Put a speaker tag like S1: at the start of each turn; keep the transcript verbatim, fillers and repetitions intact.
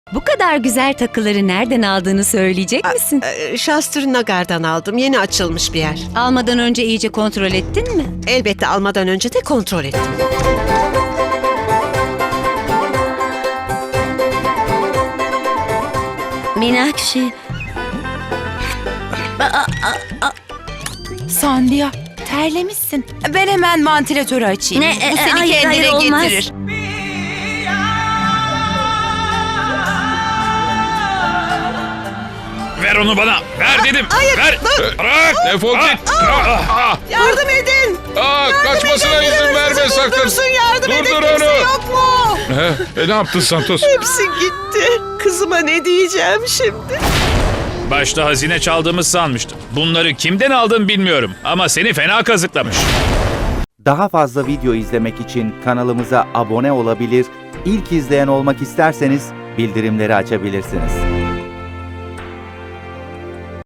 S1: Bu kadar güzel takıları nereden aldığını söyleyecek misin?
S2: Ee, Shastri Nagar'dan aldım. Yeni açılmış bir yer.
S1: Almadan önce iyice kontrol ettin mi?
S2: Elbette almadan önce de kontrol ettim.
S3: Minakşi.
S4: Sandia, terlemişsin. Ben hemen vantilatörü açayım.
S3: Ne?
S4: Bu
S3: E,
S4: seni
S3: hayır,
S4: kendine
S3: hayır, olmaz.
S4: getirir.
S5: Ver onu bana. Ver dedim.
S2: hayır,
S5: Ver.
S2: dur.
S5: Bırak.
S6: Defol
S5: Ah,
S6: git.
S5: ah, ah.
S2: Yardım edin!
S6: Aa, kaçmasına izin verme sakın.
S2: Dursun, yardım edin.
S6: Durdur
S2: Kimse
S6: onu.
S2: yok mu?
S6: He, e, ne yaptın Santos?
S2: Hepsi gitti. Kızıma ne diyeceğim şimdi?
S5: Başta hazine çaldığımız sanmıştım. Bunları kimden aldın bilmiyorum. Ama seni fena kazıklamış.
S7: Daha fazla video izlemek için kanalımıza abone olabilir, ilk izleyen olmak isterseniz bildirimleri açabilirsiniz.